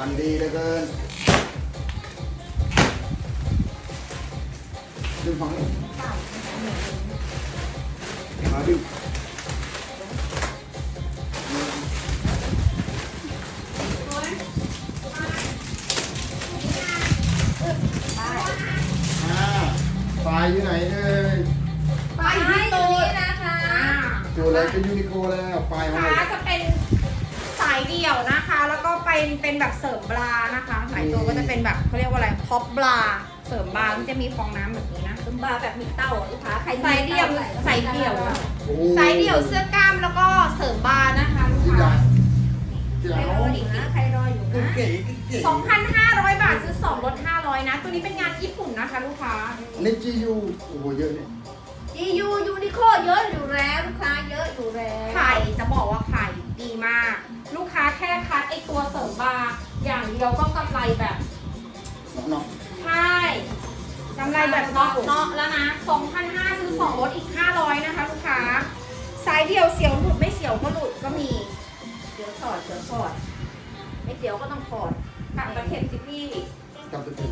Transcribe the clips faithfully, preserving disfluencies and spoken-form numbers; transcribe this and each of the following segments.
านดีเหลือเกินดึงฝั่งนี้มาดึงปลายอยู่ไหนเลยไปที่ตัวนี้นะคะตัวอะไรเป็นยูนิโคแล้วปลายของขาเราจะเป็นสายเดี่ยวนะคะ แล้วก็เป็นเป็นแบบเสริมบรานะคะสายตัวก็จะเป็นแบบเขาเรียกว่าอะไรท็อปบราเสริมบราที่จะมีฟองน้ำแบบนี้นะซึมบาแบบมีเต้าลูกค้าใครสายเดี่ยวสายเดี่ยวโอ้สายเดี่ยวเสื้อกล้ามแล้วก็เสริมบรานะคะลูกที่ค้าร้านที่ใครร้านรออยู่นะใครรออยู่นะเก๋เก๋สองพันห้าร้อย บาทซื้อสองลดห้าร้อยนะ ตัวนี้เป็นงานญี่ปุ่นนะคะลูกค้านี่จียูโอ้โหเยอะเนี่ยจียูยูนิโคเยอะอยู่แล้วลูกค้าเยอะอยู่แล้วไข่จะบอกว่าไข่ดีมาก ลูกค้าแค่คัดไอตัวเสริมบาร์อย่างเดียวก็กำไรแบบเนาะใช่กำไรแบบเนาะเนาะแล้วนะ สองพันห้าร้อย ซื้อสองลดอีกห้าร้อยนะคะลูกค้าสายเดียวเสียวหลุดไม่เสียวก็หลุดก็มีเดี๋ยวถอดเดี๋ยวถอดไม่เดี๋ยวก็ต้องถอดกลับตะเข็บสิพี่กลับไปถึง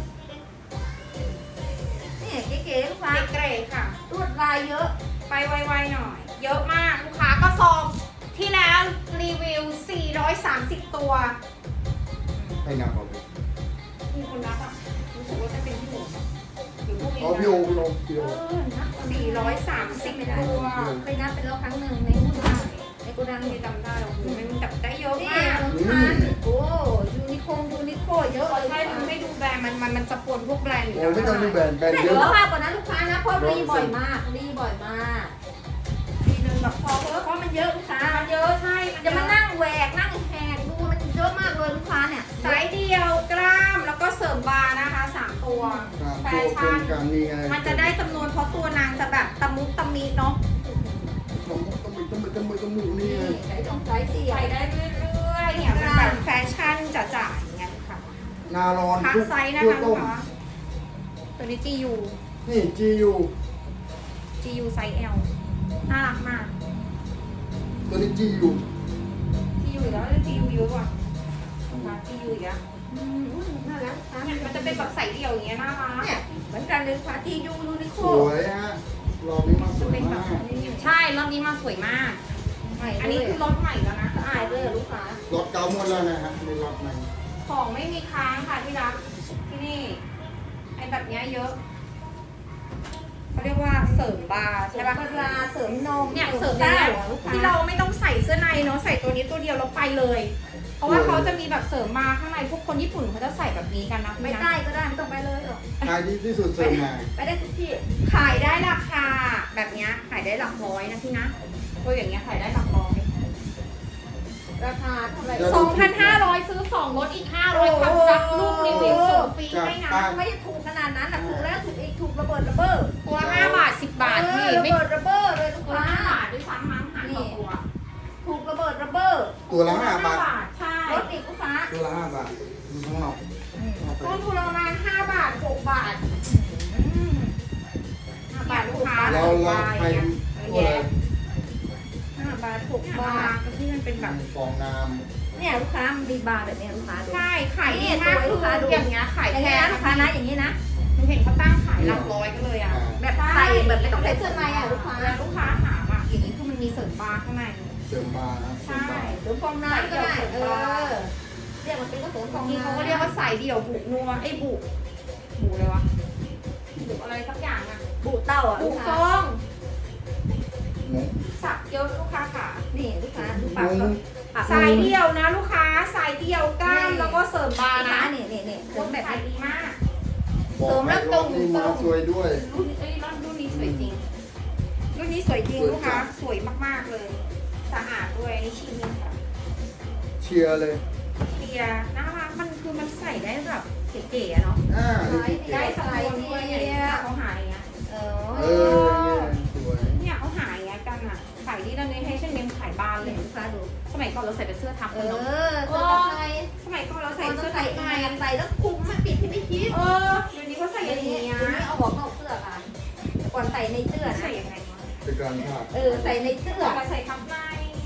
นี่เก๋ๆลูกค้าเกรดค่ะลวดลายเยอะไปไวๆหน่อย เยอะมากลูกค้าก็ซองที่แล้วรีวิวสี่ร้อยสามสิบตัวให้งานเอาไปมีคนรับอ่ะรู้สึกว่าจะเป็นพี่หมูหรือพวกนี้อ๋อพี่โอพี่โอพี่โอเออนะสี่ร้อยสามสิบตัวเคยนับไปแล้วครั้งหนึ่งในหุ้นได้ในโกดังไม่จำได้หรอกมันจับได้เยอะนี่มากลูกค้าโอ้ยูนิโคยูนิโคเยอะเลยใช่มันไม่ดูแบรนด์มันมันมันจะปนพวกแบรนด์อยู่โอ้ไม่ต้องดูแบรนด์แบรนด์แต่เยเดี๋ยวอะมากกว่านั้นลูกค้านะเพราะรีบ่อยมากรีบ่อยมากทีนึงแบบพอเพเพิ่มราะมันเยอะลูกค้ามันเยอะใช่มันจะมานั่งแหวกนั่งแหกดูมันเยอะมากเลยลูกค้าเนี่ยสายเดียวกล้ามแล้วก็เสริมบาร์นะคะสามตัวแฟตัวคชั่นนกันนี่ไงมันจะได้จำนวนเพราะตัวนางจะแบบตะมุตะมีเนาะต้องต้องมีต้องมีต้องมีต้องมีนี่ไงใส่ตรงสายเสียใส่ได้เรื่อยๆเนี่ยมันแบบแฟชั่นจ๋าๆอย่างเงี้ยค่ะนาร้อนพักทุกไซส์นะทั่วคะลูต้กมค้าตัวนี้ จี ยูนี่จียูจี ยู ไซส์ L น่ารักมากตัวนี้จียูจี ยู อีกแล้วจี ยู เยอะกว่าจี ยู อีกแล้วอืมน่ารักลูกค้าเนี่ยมันจะเป็นแบบใส่เดี่ยวอย่างเงี้ยน่ารักเนี่ยเหมือนกันเลยค่ะที่ยูยูนิโคสวยฮะรอบนี้มาสวยมากใช่รอบนี้มาสวยมาก อันนี้คือรถใหม่แล้วนะสะอาดเลยลูกค้ารถเก่าหมดแล้วนะฮะในรอบใหม่ของไม่มีค้างค่ะที่รักที่นี่ไอ้แบบเนี้ยเยอะเขาเรียกว่าเสริมบาร์ใช่ใช่ปะปะเวลาเสริมนมเนี่ยเสริมได้ได้ลูกค้าที่เราไม่ต้องใส่เสื้อในเนาะใส่ตัวนี้ตัวเดียวแล้วไปเลย เพราะว่าเขาจะมีแบบเสริมมาข้างในพวกคนญี่ปุ่นเขาจะใส่แบบนี้กันนะไม่พี่นะได้ก็ได้ไม่ต้องไปเลยหรอกขายดีที่สุดเสริมมาไปได้ทุกที่ขายได้ราคาแบบเนี้ยขายได้หลักร้อยนะพี่นะตัวอย่างเงี้ยขายได้หลักร้อยราคาเท่าไหร่สองพันห้าร้อยซื้อสองลดอีกห้าร้อยพันรับลูกรีวิวส่งฟรีให้นะไม่ได้ถูกขนาดนั้นนะถูกแล้วถูกอีกถูกระเบิดระเบ้อตัวละห้าบาทสิบบาทเอพี่อระไม่เบิดระเบ้อเลยลูกตัวละค้าห้าบาทด้วยซ้ำมั้งหารต่อตัวถูกระเบิดระเบ้อตัวละห้าบาทใช่รถอีกลูกค้าตัวละห้าบาทดูข้างนอกเอาไปต้นทุนประมาณห้าบาทหกบาทห้าบาทลูกค้าเราเราไปตัวอะไรห้าบาทหกบาทก็ที่มันเป็นแบบฟองน้เนี่ยลูกค้ามันดีบาร์แบบนี้ลูกค้าดูใช่ขายดีมากคืออย่างเงี้ยขายอย่างแพนี้งนะลูกค้านะอย่างนี้นะหนูเห็นเขาตั้งขายหลักร้อยกันเลยำอ่ะอ่าแบบใส่แบบไม่ต้องใส่เสื้อในอ่ะลูกค้าแล้วลูกค้าถามอ่ะอย่างนี้คือมันมีเสริมบาร์ข้างในเสริมบาร์นะเสริมบาร์หรือฟองน้ำก็ได้เออเรียกมันเป็นก็เสริมฟบาอง งทีน้ำเขาก็เรียกว่าสายเดี่ยวบุกนัวไอ้ยบุกบุกเลยวะบุกอะไรสักอย่างอ่ะบูเต้าอ่ะบุลูกกฟค้าองหมูสับเยอะลูกค้าค่ะนี่ลูกค้าดูหปากมูปากสายเดี่ยวนะลูกค้าสายเดี่ยวกล้ามแล้วก็เสริมบาร์นะนะนี่นี่นี่เสเสริริมมแบแบบ บนี้ดีมากบอกให้รอบนี้มาสวยด้วยรุ่นเอ้ยรุ่นนี้สวยจริง รุ่นนี้สวยจริงลูกค้าสวยมากๆเลยสะอาดด้วยอันนี้ชิ้นนี้ค่ะเชียร์เลยเคลียร์น่ารักมันคือมันใส่ได้แบบเก๋ๆอะเนาะอ่านี่ที่เก๋ได้สไลด์ด้วยเนี่ยเขาหายอย่างเงี้ยเอเอออสวยเนี่ยเขาหายอย่างเงี้ยกันอ่ะขายดีตอนนี้ให้เช่นเนี้ยขายบานเลเห็ยนลูกค้าดูสมัยก่อนเราใส่เป็นเสื้อทับเอกันเนาะอเสื้อไทยสมัยก่อนเราใส่ใส่เสื้เสื้ออไทใส่ยในใส่แล้วคุมไม่ปิดที่ไม่คิดเออเดี๋ยวนี้เขาใส่อย่างนี้เดี๋ยวนี้เอาออกนอกเสื้อค่ะก่อนใส่ในเสื้อใส่นะยังไงวะเป็นการภาพเออใส่ในเสื้อมาใส่ทับในเอ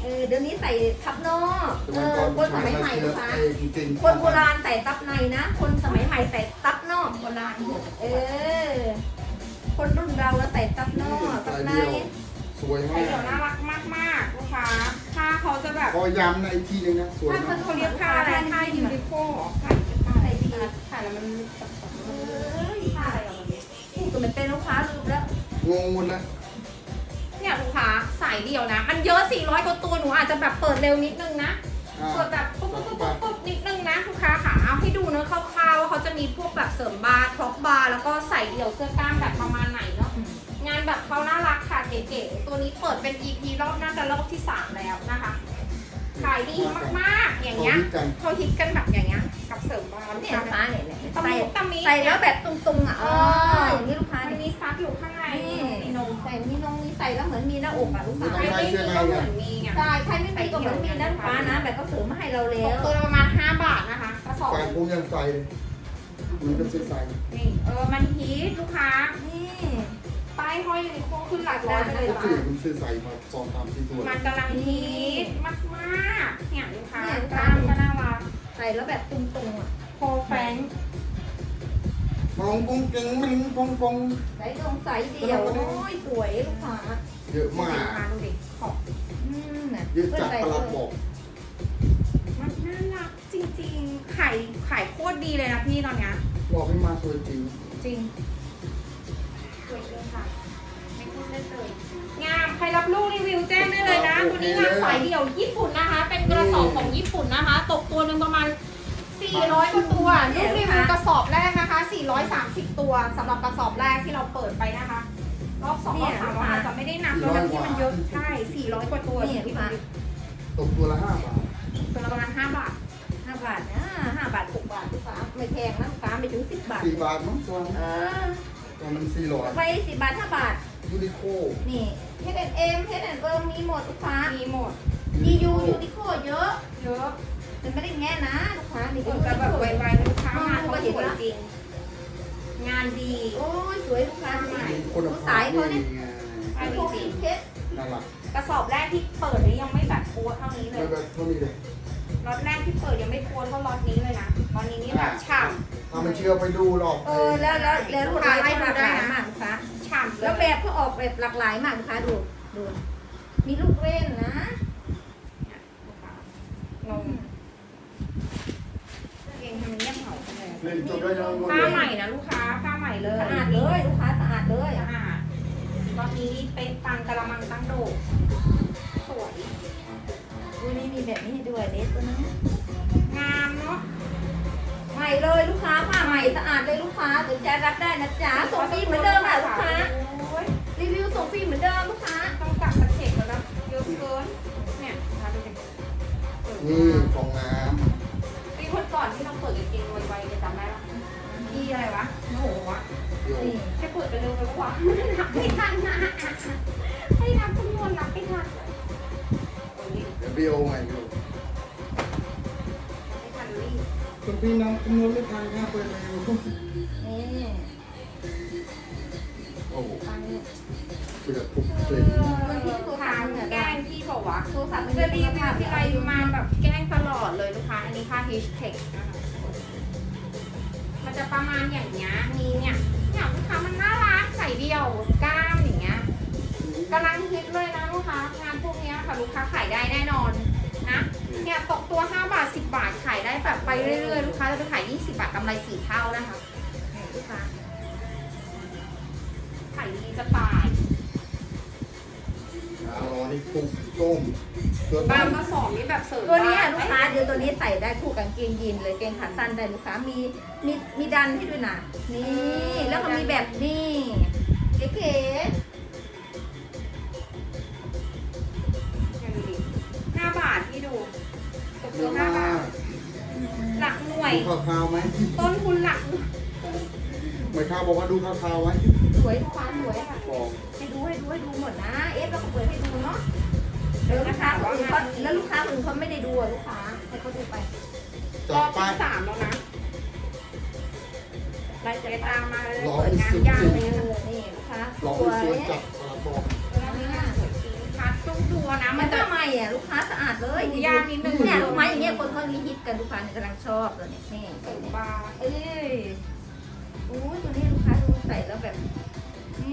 ออเดี๋ยวนี้ใส่ทับนอกสเอมัยอก่อนคนสมัยใหม่เชื้ลูอกค้าเองจริงๆคนโบราณใส่ซับในนะ คนสมัยใหม่ใส่ซับนอกโบราณเออ คนรุ่นเราแล้วใส่ซับนอกซับสายในเดียวสวยใส่มากเดี่ยวน่ารักมากๆลูกค้าผ้าเขาจะแบบพอย้ำในอีกทีนึงนะสวยผ้ามากเขาเรียกผ้าอะไรผ้ายูนิโคผ้าผ้าอะไรดีผ้าแล้วมันเอ้ยผ้าอะไรแบบนี้พูดกับมันเป็นลูกค้าลืมแล้วงงหมดแล้วเนี่ยลูกค้าสายเดี่ยวนะ มันเยอะสี่ร้อยกว่าตัวหนูอาจจะแบบเปิดเร็วนิดนึงนะอ่าเปิดแบบปุ๊บปุ๊บปุ๊บปุ๊บปุ๊บนิดนึงนะลูกค้าค่ะเอาให้ดูเนื้อคร่าวๆว่าเขาจะมีพวกแบบเสริมบาร์ครอปบาร์แล้วก็ใส่เดี่ยวเสื้อกล้ามแบบประมาณไหนเนาะงานแบบเขาน่ารักค่ะเก๋ๆตัวนี้เปิดเป็น อี พี รอบน่าจะรอบที่สามแล้วนะคะขายดีมากๆอย่างเงี้ยกันเขาฮิตกันแบบอย่างเงี้ยกับเสริมบาร์เนี่ยลูกค้าเนี่ยเนี่ยตะใส่มิตะมิใส่แล้วแบบตุงๆอ่ะเอออย่างนี้ลูกค้ามันเนี่ยมีซับอยู่ข้างในนี่มีนมใส่มีนงมีใส่แล้วเหมือนมีหน้าอกอ่ะลูกค้าใครไม่มีก็เหมือนมีไงใช่ใครไม่มีก็เหมือนมีนะลูกค้านะแบบก็เสริมมาให้เราตแล้กวตัวละประมาณห้าบาทนะคะกระสอบแฟนผมยังใส่เลยมันเป็นใส่นี่เออมันฮิตลูกค้านี่ป้ายห้อยยูนิโคขึ้นหลักร้อยไปเลยก็จ้ะคือมันซื้อใส่มาสองสามสี่ตัวมันกำลังฮิตมากมากๆเนี่ยลูกค้ากล้ามก็น่ารักใส่แล้วแบบตุงๆอ่ะโคแฟงมองปงเก่งมันปงปงใส่ตรงใส่เดียวโอ้ยสวยลูกค้าเยอะมากลูกค้าดูดิขอบอืมน่ะเยอะจากตลาดบอกมันน่ารักจริงๆขายขายโคตรดีเลยนะพี่ตอนเนี้ยบอกให้มาตัวจริงจริงสวยเลยค่ะไม่พูดเล่นเลยงามใครรับลูกรีวิวแจ้งได้เลยนะตัวนี้งานสายเดี่ยวญี่ปุ่นนะคะ เป็นกระสอบของญี่ปุ่นนะคะ ตกตัวหนึ่งประมาณสี่ร้อยกว่าตัวลูกรีวิวกระสอบแรกนะคะสี่ร้อยสามสิบตัวสำหรับกระสอบแรกที่เราเปิดไปนะคะรอบสองรอบสามเราอาจจะไม่ได้นับแล้วนะที่มันเยอะใช่สี่ร้อยกว่าตัวนี่ลูกค้าตกตัวละห้าบาทตัวละประมาณห้าบาทห้าบาทนะห้าบาทหกบาทลูกค้าไม่แพงนะลูกค้าไม่ถึงสิบบาทสี่บาทมั้งตัวเออตัวมันสี่ร้อยไปสิบบาทห้าบาทยูนิโคนี่ เฮดแอนด์เอ็ม เฮดแอนด์เอิมมีหมดลูกค้ามีหมดดียูยูนิโคเยอะเยอะมันไม่ได้แง่นะลูกค้านี่เอก็อแต่แบบไวๆลูกค้างานเขาสวยจริง งานดีโอ้ยสวยลูกค้าใหม่คุณดูภาสาพยเขาดีเนี่ยไงมีโคมีเพชรน่ารักกระสอบแรกที่เปิดนี่ยังไม่แบบโพสเท่านี้เลไม่ยแบบเท่านี้เลยล็อตแรกที่เปิดยังไม่โพสเท่าล็อตนี้เลยนะตอนนี้นี่แบบฉ่ถ้าไม่เชื่อไปดูหรอกเออแล้วแล้วแล้วลูกค้าให้หลากหลายมากลูกค้าำฉ่ำเลแล้วยแบบเขาออกแบบหลากหลายมากลูกค้าดูดู มีลูกเล่นนะงงเองทำไมเงียบเหงาจังเลยเล่นจบได้ยังหมดผ้าเลยใหม่นะลูกค้าผ้าใหม่เลยสะอาดเลยลูกค้าสะอาดเลยสะอาดตอนนี้เป็นปังกะละมังตั้งโดดสวยดูนี่มีแบบนี้ให้ด้วยเด็ดตัวนั้นงามเนาะใหม่เลยลูกค้าผ้าใหม่สะอาดเลยลูกค้าสนใจรับได้นะจ๊ะส่งฟรีเหมือนเดิมค่ะลูกค้าโอ้ยรีวิวส่งฟรีเหมือนเดิมลูกค้าต้องกลับมาเช็คแล้วนะเยอะเกินเนี่ยมาดูดิเออนี่ฟองน้ปีคนก่อนที่เราเปิดจริงๆไวๆจะจำได้ปะอีอะไรวะโอ้โหวะำเดี๋ยวนี่แค่เปิดไปเร็วไปกว่านับไม่ทันนะให้นับจำนวนนับไม่ทันโอ้ยเดี๋ยวเบี้ยวไงอยู่ไม่ทันรีบคุณพี่น้ำจำนวนไม่ทันค่ะเปิดเร็วนี่โอ้โหฟังนี่เปิดทุกเส้นมันที่ตัวถาทาม งเนี่ยแกล้งพี่บอกว่าโทรศัพท์มันจะรีมีวิวที่ไรมาแบบแกล้งตลอดเลยลูกค้าอันนี้ค่า H Tech นะคะมันจะประมาณอย่างเงี้ยมีเนี่ยเนี่ยลูกค้ามันน่ารักใส่เดี่ยวกล้ามอย่างเงี้ยกำลังฮิตเลยนะลูกค้างานพวกเนี้ยค่ะลูกค้าขายได้แน่นอนนะเนี่ยตกตัวห้าบาทสิบบาทขายได้แบบไปเรื่อยๆลูกค้าจะไปขายยี่สิบบาทกำไรสี่เท่านะคะนี่ลูกค้าขายดีจะตายอ๋อนี่ปุกต้มตัวบาต้งมกระสอบนี่แบบเสริมตัวนี้บ้ลูกค้าเดี๋ยวตัวนี้ใส่ได้คู่กางเกงยีนเลยเกงขาสั้นได้ลูกค้ามีมีมีดันให้ด้วยนะนี่แล้วก็มีแบบนี่เก๋เนี่ยดูดิห้าบาทที่ดูตกเยตัวอะห้ามากบาทหลักหน่วยดูข่าวๆไหมต้นทุนหลักไม่ข่าวบอกว่าดูข่าวๆไว้ๆสวยลูกค้าสวยบอกให้ดูให้ดูให้ดูหมดนะเอฟแล้วก็เปิดให้ดูเนาะเดี๋ยวลูกค้าคนอื่นเขาแล้วลูกค้าคนอื่นเขาไม่ได้ดูอ่ะลูกค้าให้เขาดูไปรจัอบบ ไปที่สามแล้วนะรายจะตามมาเลยรอเปิดงานที่ยาวสุดเลยเอนะอนี่ลูกค้าลองสไปวยสวนจับตลาดบอกแล้วนี่น่าสวยจริงคัดต้องดูนะมัมัน นจะจะใหม่อ่ะลูกค้าสะอาดเลยดูยากนิดนึงเนี่ยลูกไม้อย่างเงี้ยคนเขาฮิตกันลูกค้าเนี่ยกำลังชอบเลยเนี่ยนี่เสริมบาร์เอ้ยโอ้ยตัวนี้ลูกค้าดูใส่แล้วแบบนี่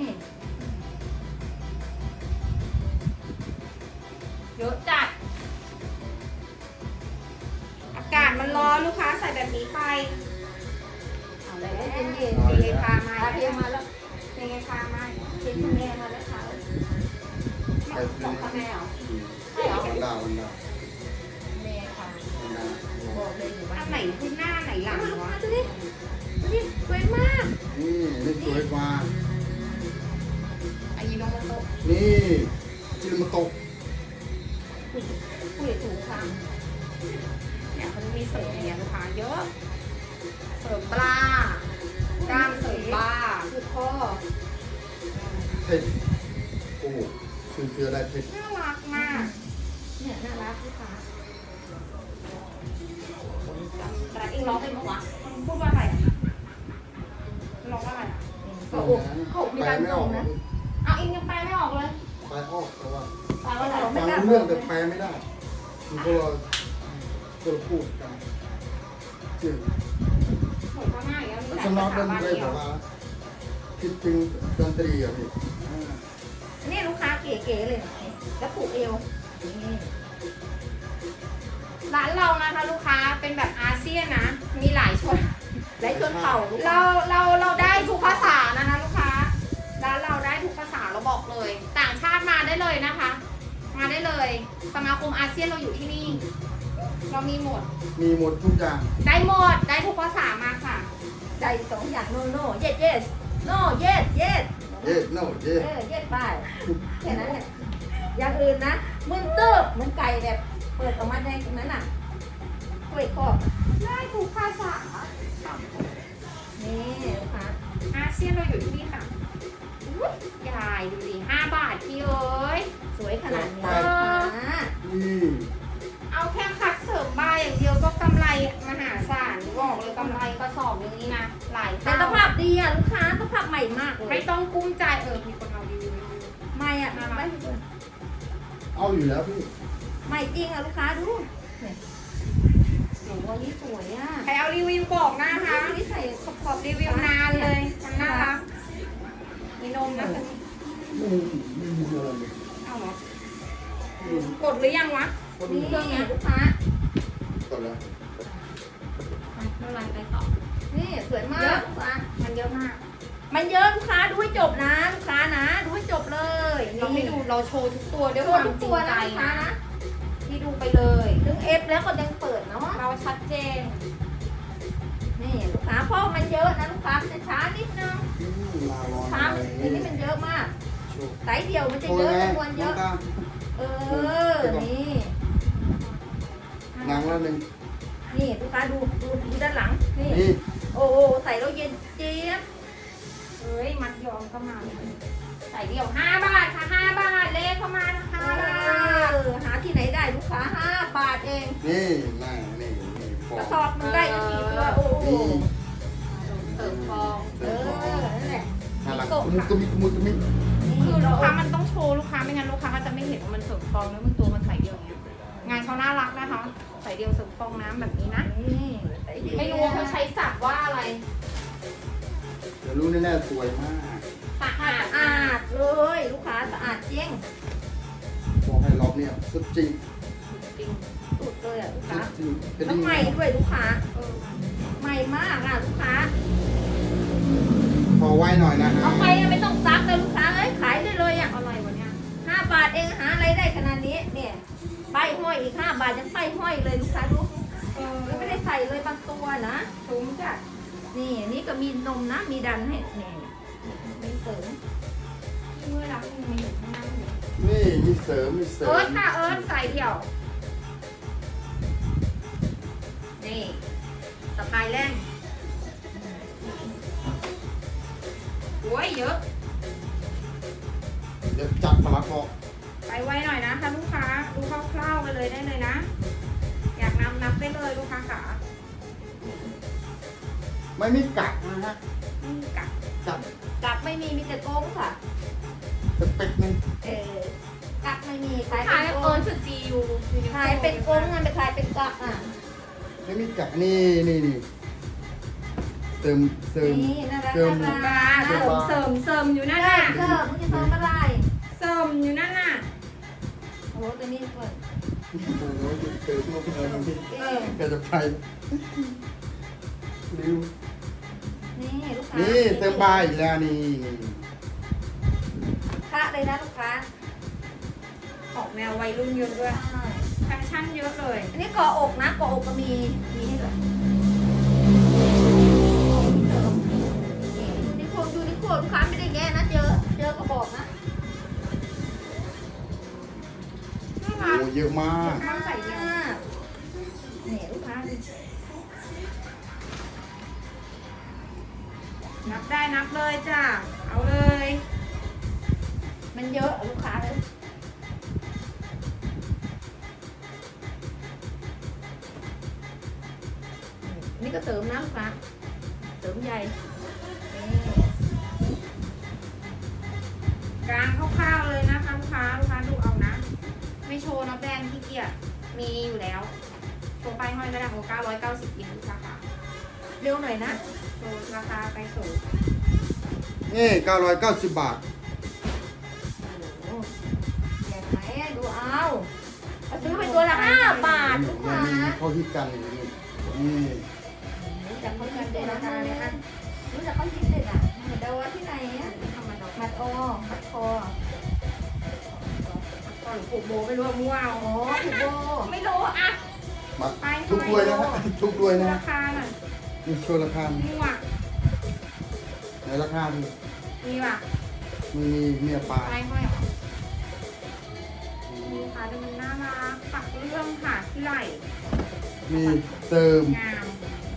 เยอะจัด อากาศมันร้อนลูกค้าใส่แบบนี้ไปเอาเลยเย็นเย็นเทพามาอาเทียมมาแล้วเทพามาเทียมคุณแม่มาแล้วค่ะไปของพ่อแม่เหรอ ใช่เหรอวันดาวันดาแม่ค่ะวันดาบอกเลยอยู่บ้าอันนไหนขึ้นหน้าไหนหลังลูกวะค้าดูดิดูดิสวยมากนี่นี่สวยกว่าอายิโนโมโตะนี่จิรมาโตะคุยคุยถูกค่ะเนี่ยเขาจะมีเสริมอย่างเงี้ยลูกค้าเยอะ เสริมปลา กล้ามเสริมปลาคือข้อเทคโอ้โหคือคืออะไรเทคน่ารักมากเนี่ยน่ารักลูกค้าแต่เองร้องเป็นปะวะมันพูดว่าอะไรอ่ะมันร้องว่าอะไรอ่ะก็อกก็อกมีการส่งนะเอาเองยังแปลไม่ออกเลยแปลออกแต่ว่าแปลว่าอะไรฟังรู้เรื่องแต่แปลไม่ได้คือพวกเราพวกเราพูดกันจริงเหมือนว่าง่ายอย่างเงี้ยมีสำหนัลาก ยดภาน ษาตรีเดีแบยวบว่าคิดถึงดนตรีอ่ะพี่อ่านี่ลูกค้าเก๋ๆเลยนี่แล้วผูกเอวนี่ร้านเรานะคะลูกค้าเป็นแบบอาเซียนนะ มีหลายชนและชนเผ่าลูกค้าเราเราเราได้ทุกภาษานะคะลูกค้าร้านเราได้ทุกภาษาเราบอกเลย ต่างชาติมาได้เลยนะคะ มาได้เลย สมาคมอาเซียนเราอยู่ที่นี่ เรามีหมดมีหมดทุกอย่างได้หมด ได้ทุกภาษามาค่ะใจสองอย่างโนโน่เย็ดเย็ดโน่เย็ดเย็ดเย้โน่เย้เออเย็ดไปแค่นั้นแหละอย่างอื่นนะมึนตึ๊บเหมือนไก่แบบเปิดออกมาในตรงนั้นน่ะกล้วยครอบได้ทุกภาษานี่ลูกค้าอาเซียนเราอยู่ที่นี่ค่ะอุ๊ยยายดูดิห้าบาทพี่เอ้ยสวยขนาดนี้เอลูกอค้านี่เอาแค่คัดเสริมบาร์อย่างเดียวก็กำไรมหาศาลบอกเลยกำไรกระสอบอย่างนี้นะ หลายแต่เท่าสภาพดีอ่ะลูกค้าสภาพใหม่มากเลไม่ยต้องกุ้มใจเออมีคนเอารีวิวมาดูใหม่อ่ะไม่เอาอยู่แล้วพี่ใหม่จริงอ่ะลูกค้าดูเนี่ยโหวันนี้สวยอ่ะใครเอารีวิวบอกนะคะนี่ใส่ขอบขอบรีวิวนานเลยมันน่ารักมีนมนะคะไม่ไม่มีอะไรเลยเอาเหรอ กดหรือยังวะนี่เครื่องเนี้ยลูกค้าก่อนแล้วอ่ะไม่เป็นไรไปต่อนี่สวยมาเยกอะลูกค้ามันเยอะมากมันเยอะลูกค้าดูให้จบนะลูกค้านะดูให้จบเลยเราไม่ดูเราโชว์ทุกตัวด้วยโชควาว์มทุกจริตังวใจนะลูกค้านะนะที่ดูไปเลยถึงเอฟแล้วก็ยังเปิดเนาะเราชัดเจนนี่ลูกค้าเพราะมันเยอะนะลูกค้ามันจะช้านิดนึงอืมลาร้อนช้ามันอันนี้มันเยอะมากโชว์ไซส์เดียวมันจะโชว์เยอะไงจำนวนเยน้ออะงตาเออนี่นางละหนึ่งนี่ลูกค้าดูดูดูด้านหลังนี่นี่โอ้โหใส่แล้วเย็นเจี๊ยบเฮ้ยมัดยอมเข้ามาเลยใส่เดี่ยวห้าบาทค่ะห้าบาทเลขเข้ามานะคะเออหาที่ไหนได้ลูกค้าห้าบาทเองนี่นางนี่นี่ฟอกระสอบมันได้ก็กี่ตัวโอ้โหนี่เติมฟองเออนั่นแหละน่ารักกุมุกกุมิกุมุกกุมิคือลูกค้ามันต้องโชว์ลูกค้าไม่งั้นลูกค้าก็จะไม่เห็นว่ามันเสริมฟองแล้วมันตัวมันใส่เดี่ยวอย่างเงี้ยงานเขาน่ารักนะคะใส่เดี่ยวเสริมฟองน้ำแบบนี้นะนี่ใส่เดียวไม่รู้ว่าเขาใช้สับว่าอะไรเดี๋ยวรู้แน่ๆสวยมากสะอาดสะอาดเลยลูกค้าสะอาดจริงบอกให้รอบเนี่ยสุดจริงจริงสุดเลยอ่ะลูกสุค้าดจริงกระแล้วดิ่งใหม่ด้วยลูกค้าเออใหม่มากอ่ะลูกค้าพอไว้หน่อยนะฮะเอาไปไม่ต้องซักเลยลูกค้าเอ้ยขายได้เลยอ่ะอะไรวะเนี่ยห้าบาทเองหาอะไรได้ขนาดนี้เนี่ยป้ายห้อยอีกห้าบาทยังป้ายห้อยเลยลูกค้าดูเออแล้วไม่ได้ใส่เลยบางตัวนะถุงจ้ะนี่นี่ก็มีนมนะมีดันให้นี่มีเสริมเมื่อรักมันมาอยู่ข้างหน้าอยู่นี่มีเสริมมีเสริเอิมร์ธค่ะเอิร์ธใส่เดี่ยว นี่สะพายแรงโอ้ยเยอะเดี๋ยวจัดมาละพอไปไวหน่อยนะคะลูกค้าดูคร่าวๆไปเลยได้เลยนะ อยากนำนับได้เลยลูกค้าขาไม่มีกักนะฮะอืมกัดจัดกลับไม่มีมีแต่โกงค่ะสเปคหนึงเออกลับไม่มีขายขายเป็นเอโออน สุดจียูขายเป็นกลมเงินไปขายเป็นกะอ่ะไม่มีจักรนี่นี่นี่เติมเติมนี่น่ารักเติมน่าบารัร์กเสริมเสริมเสริมอยู่นั่นเริ่น่ะมเริ่มมึงจะเติมอะไรเสริมอยู่นั่นน่ะโอ้โหตัวนี้เปิดโอ้โหเติมลูกเงินมันพี่เออแกจะไปริวนี่ลูกค้านี่นี่เติมบาร์อีกแล้วนี่นี่ค่าเลยนะลูกค้าออกแนววัยรุ่นเยอะด้วยใช่แฟชั่นเยอะเลยอันนี้เกาะอกนะเกาะอกก็มีมีให้ด้วยนี่ยูนิโคลยูนิโคลลูกค้าไม่ได้แง่นะเจอเจอก็บอกนะน่าโอ้รักโหเยอะมากมันใส่เดี่ยวนี่ลูกค้าดินับได้นับเลยจ้ะ เอาเลยมันเยอะอะลูกค้าเลยนี่ก็เสริมนะลูกค้าเสริมใหญ่นี่กลางคร่าวๆเลยนะคะลูกค้าลูกค้าดูเอานะ ไม่โชว์นะแบรนด์ที่เกียจมีอยู่แล้ว โชว์ป้ายห้อยก็ได้โอ้เก้าร้อยเก้าสิบอินราคาเร็วหน่อยนะโชว์ราคาไปสูงนี่เก้าร้อยเก้าสิบบาทโอ้โหแย่ไหมดูเอาเอาซื้อไปตัวละห้าบาทลูกค้านี่เขาฮิตกันอย่างนี้นี่รู้จักเขาคิดเลยนะคะเนี่ยนะรู้จักเขาคิดเลยอ่ะเหมือนเดาว่าที่ไหนอ่ะธรรมดามัดโอมัดคอก่อนผูกโบไม่รู้ว่ามั่วเอาโอ้ถูกโบไม่รู้อ่ะมาทุกด้วยนะฮะทุกด้วยนะราคาหน่อยนี่โชว์ราคามั่วในราคาดูมีว่ะมีเมียปลาป้ายห้อยเหรอมีค่ะดูมันน่ารักปักเรื่องค่ะที่ไหล่มีเติมงาม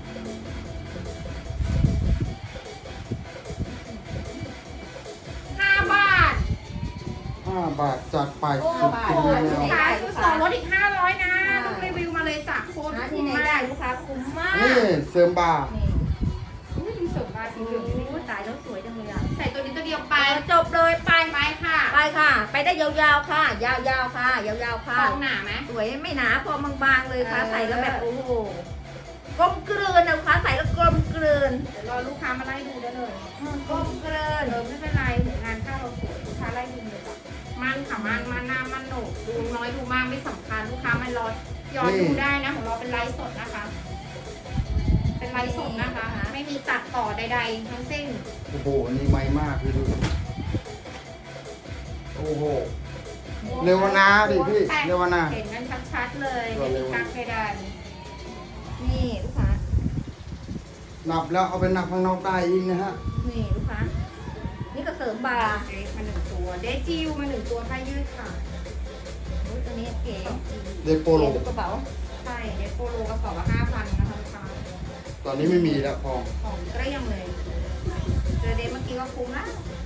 ห้าบาทห้าบาทจัดไปโอ้สุดบาทจริงโอ้แล้วที่ไหนขายได้คืลูอก สอค้างลดอีกห้าร้อยนะต้องรีวิวมาเลยจากโค้ดหาคุ้ที่มไหนมาได้กลูกค้าคุ้มมากนี่เสริมบาร์นี่อุ้ยมีเสริมบาร์สีเหลืองนี่โอ้ตายแล้วสวยจังเลยอ่ะใส่ตัวนี้ตัวเดียวไปไปจบเลยไปไปค่ะไปค่ะ ไปได้ยาวๆค่ะ ยาวๆค่ะ ยาวๆค่ะฟองหนาไหมสวยไม่หนาพอบางๆเลยค่ะเออใส่แล้วแบบโอ้โหกลมกลืนนะลูกค้าใส่แล้วกลมกลืนเดี๋ยวรอลูกค้ามาไล่ดูได้เลยอืมกลมกลืนเออไม่เป็นไรถึงงานเข้าเราสวยลูกค้าไล่ดูเลยจ้ะมันค่ะมันมันหน้ามันโหนกดูน้อยดูมากไม่สำคัญลูกค้ามันรอย้อนดูได้นะของเราเป็นไลฟ์สดนะคะ เป็นไลฟ์สดนะคะ ไม่มีตัดต่อใดๆทั้งสิ้นโอ้โหอันนี่ไม่มากพี่ดูโอ้โห เรวนาดิพี่เรวนาเห็นกันชัดๆเลยไม่มีกักเพดานนี่ลูกค้านับแล้วเอาไปนับข้างนอกได้อีกนะฮะนี่ลูกค้า นี่ก็เสริมบาร์เดฟมาหนึ่งตัวเดจิวมาหนึ่งตัวผ้ายืดค่ะโอ้ยตัวนี้เก๋สองจีเดโปโลเก๋กระเป๋าใช่เดฟโปโลกระเป๋าละห้าพันนะคะลูกค้าตอนนี้ไม่มีแล้วพองของเกลี้ยงเลยเจอเดฟเมื่อกี้ก็คุ้มละ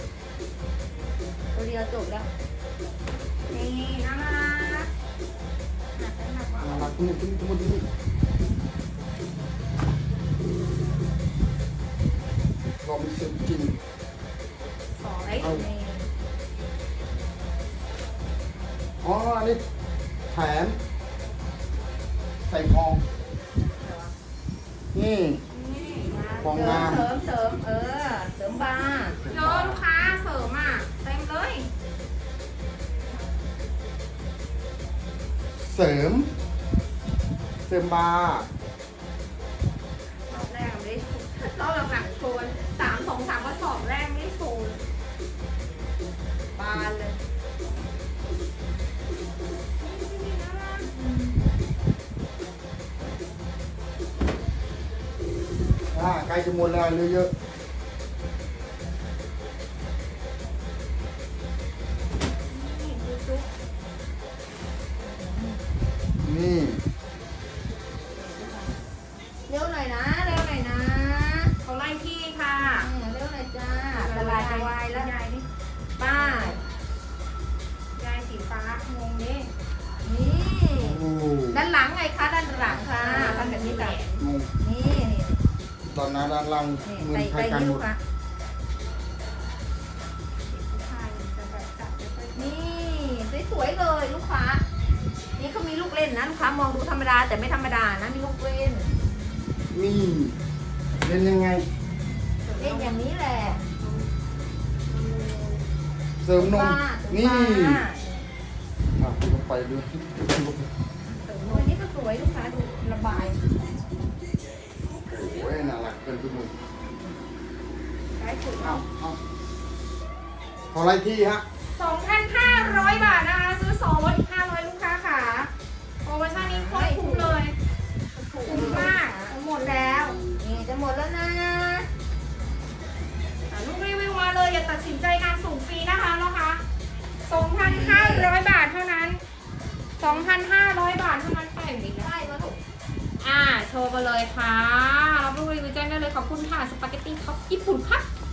ตัวเดียวจบแล้วนี่น่ารักหนักหนักว่าน่ารักทุกทุกทุกทุกทุกความรู้สึกจริงสองไอ้เอานี่อ๋ออันนี้แถมใส่ทอง นี่นี่ฟองงามเสริมเสริมเออ เสริมบาร์เยอะลูกค้าเสริมอ่ะเต็มเลยเสริม เสริมบาร์รอบแรกไม่ได้โชว์รอบหลังๆโชว์สามสองสามก็สอบแรกไม่ได้โชว์บานเลยอ่าใกล้จะหมดแล้วเหลือเยอะนี่ดูจุ๊บนี่เร็วหน่อยนะ เร็วหน่อยนะเขาไล่ที่ค่ะอืมเร็วหน่อยจ้าตลาดจะวายแล้วยายนี่ป้ายยายสีฟ้างงดินี่โอ้ด้านหลังไงคะ ด้านหลังค่ะทำแบบนี้แหลจ้ะมงงนี่นี่ตอนนั้นด้านล่างนี่มือใส่ใครใส่กันนี่หมลูดกค้าผู้ชายจะแบบจับไม่ค่อยนี่สวยเลยลูกค้า นี่เขามีลูกเล่นนะลูกค้ามองดูธรรมดาแต่ไม่ธรรมดานะมีลูกเล่นนี่เล่นยังไงเล่นอย่างนี้แหละเสริมนมว่านี่ว่าอ่ะลงไปดูตัวนี้ก็สวยลูกค้าดูระบายโอ้ยน่ารักเกินทุกมุมใช้ถุงเอาเอาเท่าไรที่ฮะสองพันห้าร้อยบาทนะคะซื้อสองลดอีกห้าร้อยลูกค้าค่ะโปรโมชั่นนี้โคตรคุ้มเลยคุ้มมากหมดแล้วนี่จะหมดแล้วนะอ่ะลูกรีวิวมาเลยอย่าตัดสินใจงานส่งฟรีนะคะนะคะสองพันห้าร้อยบาทเท่านั้นสองพันห้าร้อยบาทเท่านั้นไปอีกนะได้มาถูกอ่าโชว์ไปเลยค่ะรับลูกรีวิวแจ้งได้เลยขอบคุณค่ะสปาเกตตี้ท็อปญี่ปุ่นครับ